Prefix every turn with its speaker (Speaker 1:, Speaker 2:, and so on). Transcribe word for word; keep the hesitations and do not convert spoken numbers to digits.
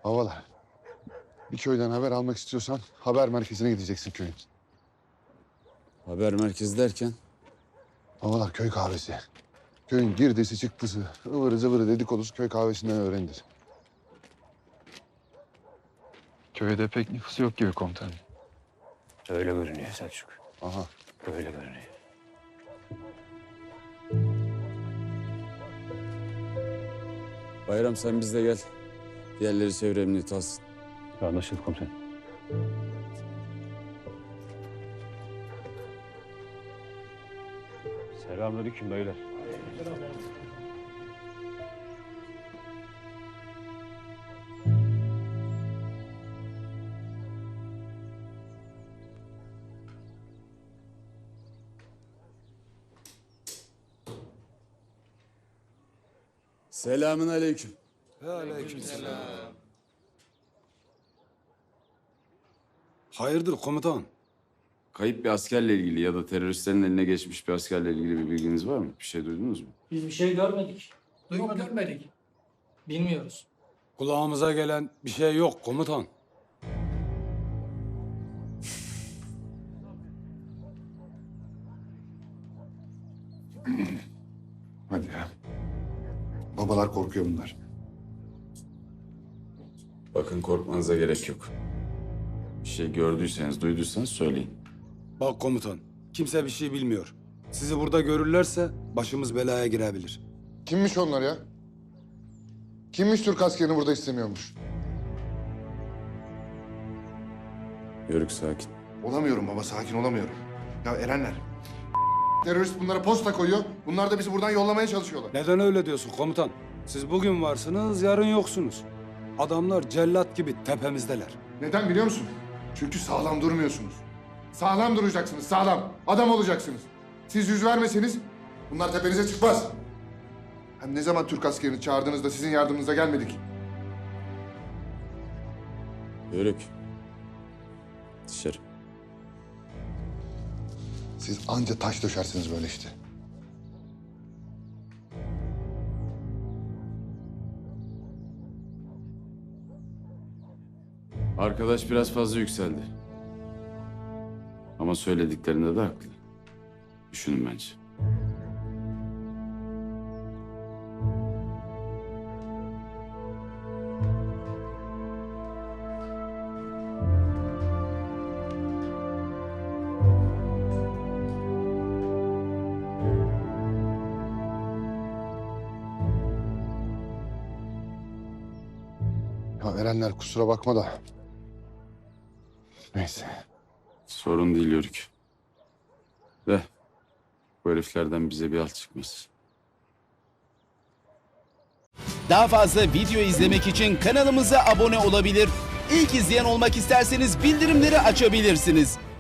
Speaker 1: Havalar. Bir köyden haber almak istiyorsan haber merkezine gideceksin köyün.
Speaker 2: Haber merkezi derken?
Speaker 1: Havalar köy kahvesi. Köyün girdisi çıktısı, ıvırı zıvırı dedikodusu köy kahvesinden öğrenilir.
Speaker 3: Köyde pek nüfusu yok gibi komutanım.
Speaker 4: Öyle görünüyor Selçuk.
Speaker 1: Aha.
Speaker 4: Öyle görünüyor.
Speaker 2: Bayram sen bizle gel. Diğerleri çevre emniyeti alsın.
Speaker 4: Anlaşıldı komutanım. Selamünaleyküm beyler.
Speaker 2: Selamün aleyküm.
Speaker 5: Hayırdır komutan?
Speaker 2: Kayıp bir askerle ilgili ya da teröristlerin eline geçmiş bir askerle ilgili bir bilginiz var mı? Bir şey duydunuz mu?
Speaker 6: Biz bir şey görmedik. Duymadık. Görmedik. Bilmiyoruz.
Speaker 5: Kulağımıza gelen bir şey yok komutan.
Speaker 1: Hadi ya. Babalar korkuyor bunlar.
Speaker 2: Bakın korkmanıza gerek yok. Bir şey gördüyseniz, duyduysanız söyleyin.
Speaker 5: Bak komutan, kimse bir şey bilmiyor. Sizi burada görürlerse başımız belaya girebilir.
Speaker 1: Kimmiş onlar ya? Kimmiş Türk askerini burada istemiyormuş?
Speaker 2: Yörük sakin.
Speaker 7: Olamıyorum baba, sakin olamıyorum. Ya Erenler, terörist bunlara posta koyuyor. Bunlar da bizi buradan yollamaya çalışıyorlar.
Speaker 5: Neden öyle diyorsun komutan? Siz bugün varsınız, yarın yoksunuz. Adamlar cellat gibi tepemizdeler.
Speaker 7: Neden biliyor musun? Çünkü sağlam durmuyorsunuz. Sağlam duracaksınız, sağlam. Adam olacaksınız. Siz yüz vermeseniz bunlar tepenize çıkmaz. Hem ne zaman Türk askerini çağırdığınızda sizin yardımınıza gelmedik.
Speaker 2: Yörük. Dışarı.
Speaker 1: Siz anca taş döşersiniz böyle işte.
Speaker 2: Arkadaş biraz fazla yükseldi. Ama söylediklerinde de haklı. Düşünün bence.
Speaker 1: Ya Erenler kusura bakma da. Neyse.
Speaker 2: Sorun değil Yörük. De bu heriflerden bize bir alt çıkmaz.
Speaker 8: Daha fazla video izlemek için kanalımıza abone olabilir. İlk izleyen olmak isterseniz bildirimleri açabilirsiniz.